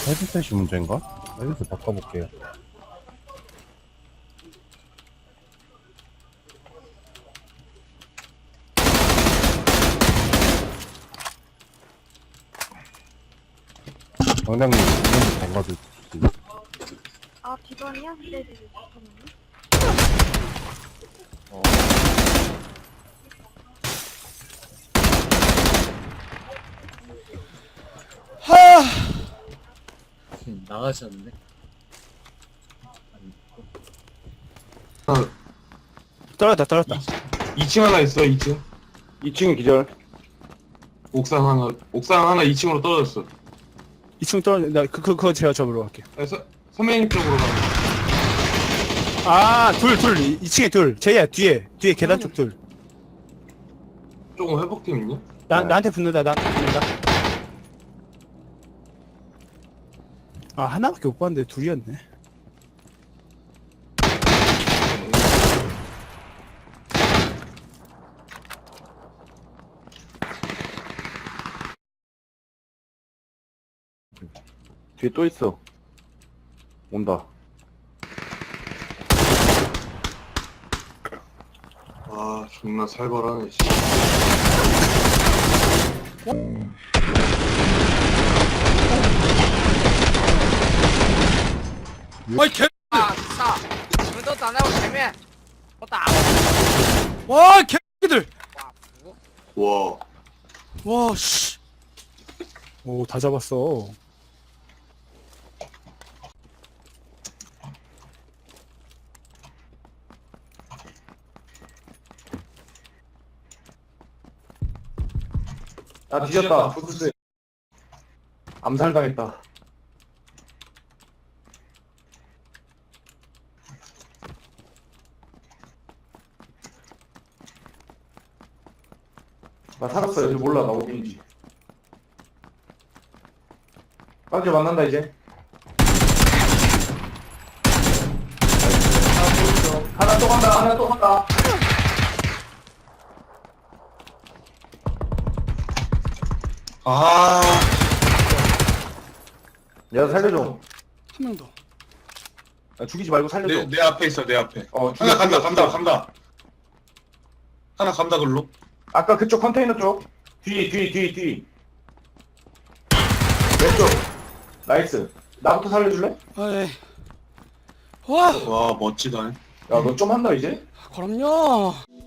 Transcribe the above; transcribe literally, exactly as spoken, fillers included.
헤드셋이 문제인가? 헤드셋 바꿔볼게요. 당장님, 이런데 담가주시지. 아, 비번이야? 네네네. 잠깐만요. 어. 하 나가셨는데? 떨어졌다 떨어졌다. 이 층 하나 있어, 이 층. 이 층 기절. 옥상 하나, 옥상 하나 이 층으로 떨어졌어. 이 층 떨어졌. 나 그, 그, 그거 제가 접으러 갈게요. 그래서 선배님 쪽으로 가. 아둘둘 이 층에 둘. 제이야 뒤에 뒤에 계단 쪽 둘. 조금 회복팀 있냐? 나 네. 나한테 붙는다 나한테 붙는다. 아 하나밖에 못 봤는데 둘이었네. 뒤에 또 있어. 온다. 아, 존나 살벌하네, 씨. 아이 개. 啊，操！你们都挡在我前面，我打我！ 와 개들. 哇服！ 와. 와 씨. 오 다 잡았어. 아, 뒤졌다. 부스. 암살당했다. 나 살았어. 이제 몰라. 나 어딘지. 빠져 만난다, 이제. 하나 또 간다. 하나 또 간다. 아. 내가 살려줘. 한 명 더. 야, 죽이지 말고 살려줘. 내, 내 앞에 있어, 내 앞에. 어, 하나 죽여, 간다, 죽여, 간다, 죽여. 간다. 하나 간다, 글로. 아까 그쪽 컨테이너 쪽. 뒤, 뒤, 뒤, 뒤. 왼쪽. 나이스. 나부터 살려줄래? 아이. 와 와, 멋지다. 야, 너 좀 한다, 이제? 그럼요.